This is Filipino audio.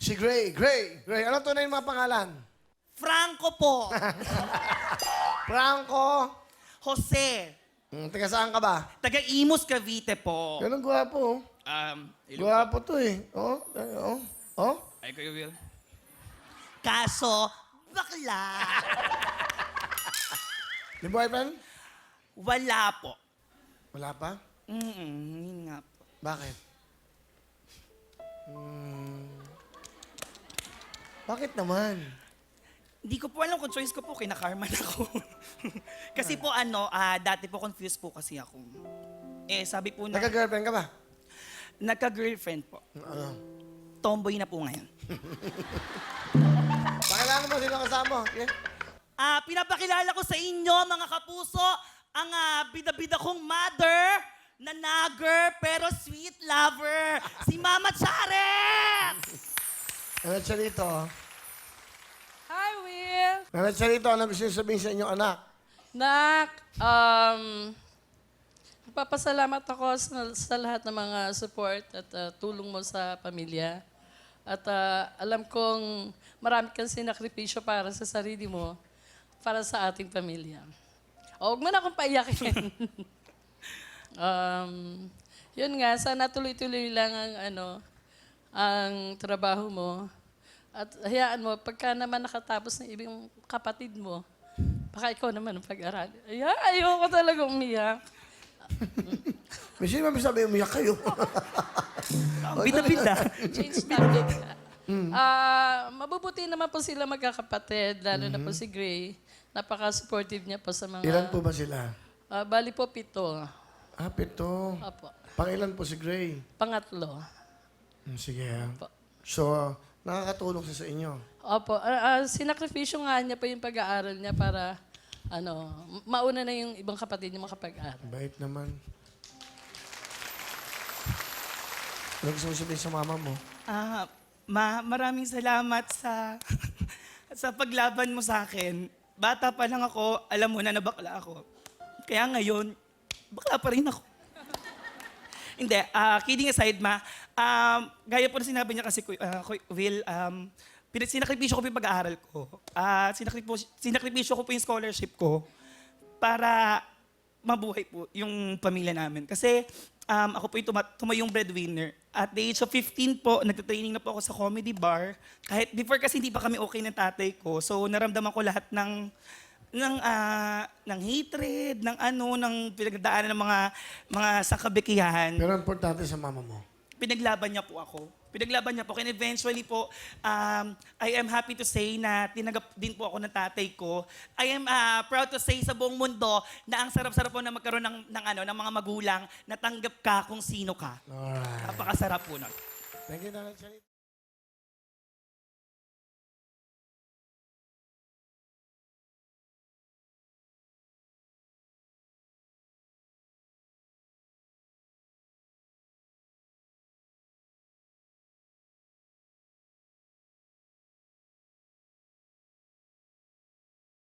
Si Gray. Gray. Ano tunay yung mga pangalan? Franco po. Franco. Jose. Taga saan ka ba? Taga Imus, Cavite po. Ganun gwapo. Gwapo to eh. Oh. Ay, Kuya Will. Kaso, bakla. May boyfriend? Wala po. Wala pa? Yun nga po. Bakit? Bakit naman? Hindi ko po alam kung choice ko po, kinakarman ako. Kasi po dati po confused po kasi ako. Sabi po na, Nagka-girlfriend ka ba? nagka-girlfriend po. Ano? Tomboy na po ngayon. Pakilala mo sino kasama. Okay? Pinapakilala ko sa inyo, mga kapuso, ang bida-bida kong mother na nagger pero sweet lover, si Mama Charet! Nanat siya dito. Hi, Will! Nanat siya dito. Ano gusto niyo sabihin sa inyong anak? Nak, nagpapasalamat ako sa lahat ng mga support at tulong mo sa pamilya. At alam kong marami kang sinakripisyo para sa sarili mo, para sa ating pamilya. Huwag mo na akong paiyakin. Yun nga, sana tuloy-tuloy lang ang trabaho mo. At hayaan mo, pagka naman nakatapos ng ibang kapatid mo, baka ikaw naman ang pag-aral. Ayoko talaga umiyak. May sino ba sabi umiyak kayo? Bida-bida. Change topic. Mabubuti naman po sila magkakapatid, lalo na po si Gray. Napaka-supportive niya po sa mga... Ilan po ba sila? Bali po 7. 7. Opo. Pangilan po si Gray? Pangatlo. Sige. Opo. So, nakakatulong siya sa inyo. Opo. Sinakripisyo nga niya po yung pag-aaral niya para mauna na yung ibang kapatid niya makapag-aaral. Bait naman. Ano gusto mo sabihin sa mama mo? Maraming salamat sa sa paglaban mo sa akin. Bata pa lang ako, alam mo na bakla ako. Kaya ngayon, bakla pa rin ako. Hindi, kidding aside, gaya po na sinabi niya kasi, Will, sinakripisyo ko po yung pag-aaral ko. Sinakripisyo ko po yung scholarship ko para mabuhay po yung pamilya namin. Kasi ako po yung tumayong breadwinner. At the age of 15 po, nagtitraining na po ako sa comedy bar. Kahit before kasi hindi pa kami okay ng tatay ko. So naramdaman ko lahat ng hatred, ng pinagdaanan ng mga sangkabikihan. Pero importante sa mama mo. Pinaglaban niya po ako. And eventually po, I am happy to say na tinanggap din po ako ng tatay ko. I am proud to say sa buong mundo na ang sarap-sarap po na magkaroon ng mga magulang na tanggap ka kung sino ka. Alright. Napakasarap po nun. Thank you, Nanay Charita.